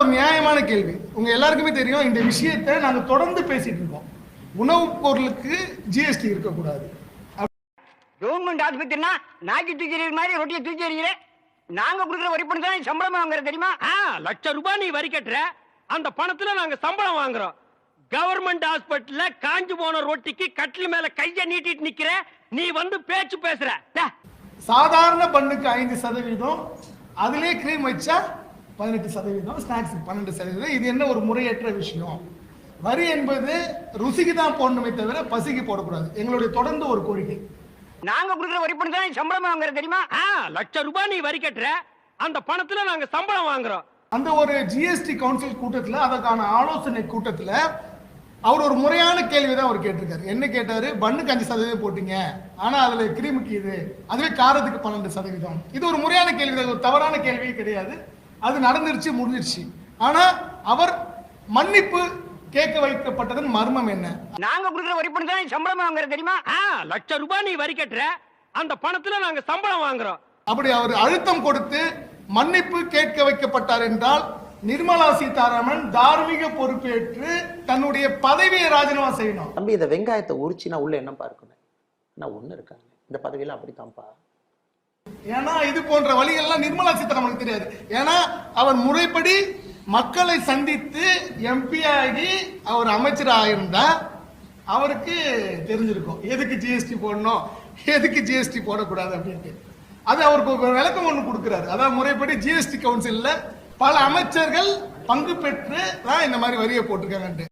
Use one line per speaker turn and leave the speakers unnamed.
நியாயமான கேள்வி. உங்க எல்லாருக்குமே தெரியும் இந்த விஷயத்தை நாங்க தொடர்ந்து பேசிட்டு இருக்கோம். உணவுப் பொருளுக்கு ஜிஎஸ்டி இருக்கக்கூடாது.
கவர்மெண்ட் ஆஸ்பத்திரினா நாக்கி தூக்கி எறிகிற மாதிரி ரொட்டியை தூக்கி எறிகிறேன். நாங்க கொடுக்குற வரி பணம் தான் சம்பளம் வாங்குறது தெரியுமா?
₹1,00,000 நீ வரி கட்டுற, அந்த பணத்துல நாங்க சம்பளம் வாங்குறோம். கவர்மெண்ட் ஹாஸ்பிட்டல்ல காஞ்சு போன ரொட்டிக்கு கட்டில் மேல கைய நீட்டிட்டு நிக்கிற, நீ வந்து பேச்சு பேசுற.
சாதாரண பண்ணுக்கு 5%, அதிலே கிரீம் வச்சா 18%, ஸ்நாக்ஸ் 12%. இது என்ன ஒரு முறையற்ற விஷயம்? வரி என்பது ருசிக்கு தான் போடணுமே தவிர பசிக்கு போடக்கூடாது. எங்களுடைய தொடர்ந்து ஒரு கோரிக்கை.
நாங்க கொடுக்குற வரி பணம் தான் சம்பளம் வாங்குறது தெரியுமா?
₹1,00,000 நீ வரி கட்டுற, அந்த பணத்துல நாங்க சம்பளம் வாங்குறோம்.
அந்த ஒரு ஜிஎஸ்டி கவுன்சில் கூட்டத்தில், அதற்கான ஆலோசனை கூட்டத்தில் அவர் ஒரு முறையான கேள்வி தான் அவர் கேட்டிருக்காரு. என்ன கேட்டாரு? பண்ணுக்கு 5% போட்டீங்க, ஆனா அதுல கிரீமுக்கு இது, அதுவே காரத்துக்கு 12%. இது ஒரு முறையான கேள்வி தான், ஒரு தவறான கேள்வியே கிடையாது. அது நடந்துருச்சு, முடிஞ்சிருச்சு. ஆனா அவர் மன்னிப்பு கேட்க வைக்கப்பட்டதன் மர்மம் என்ன?
நாங்க கொடுக்குற வரி பணம் தான் சம்பளம் வாங்குறது தெரியுமா?
₹1,00,000 நீ வரி கட்டுற, அந்த பணத்துல நாங்க சம்பளம் வாங்குறோம்.
அப்படி அவர் அழுத்தம் கொடுத்து மன்னிப்பு கேட்க வைக்கப்பட்டார் என்றால் நிர்மலா சீதாராமன் தார்மீக பொறுப்பேற்று தன்னுடைய பதவியை ராஜினாமா செய்யணும்.
தம்பி, இந்த வெங்காயத்தை உரிச்சினா உள்ள என்ன பார்க்கணும்? நான் ஒண்ணு இருக்காங்க இந்த பதவியில அப்படித்தான்ப்பா.
ஏன்னா இது போன்ற வழிகள்லாம் நிர்மலா சீதாராமனுக்கு தெரியாது. ஏன்னா அவர் முறைப்படி மக்களை சந்தித்து எம்பி ஆகி அவர் அமைச்சராக இருந்தா அவருக்கு தெரிஞ்சிருக்கும் எதுக்கு ஜிஎஸ்டி போடணும், எதுக்கு ஜிஎஸ்டி போடக்கூடாது அப்படின்ட்டு. அது அவருக்கு ஒரு விளக்கம் ஒன்று கொடுக்கிறாரு. அதாவது முறைப்படி ஜிஎஸ்டி கவுன்சில்ல பல அமைச்சர்கள் பங்கு பெற்று தான் இந்த மாதிரி வரியை போட்டிருக்காங்கன்ட்டு.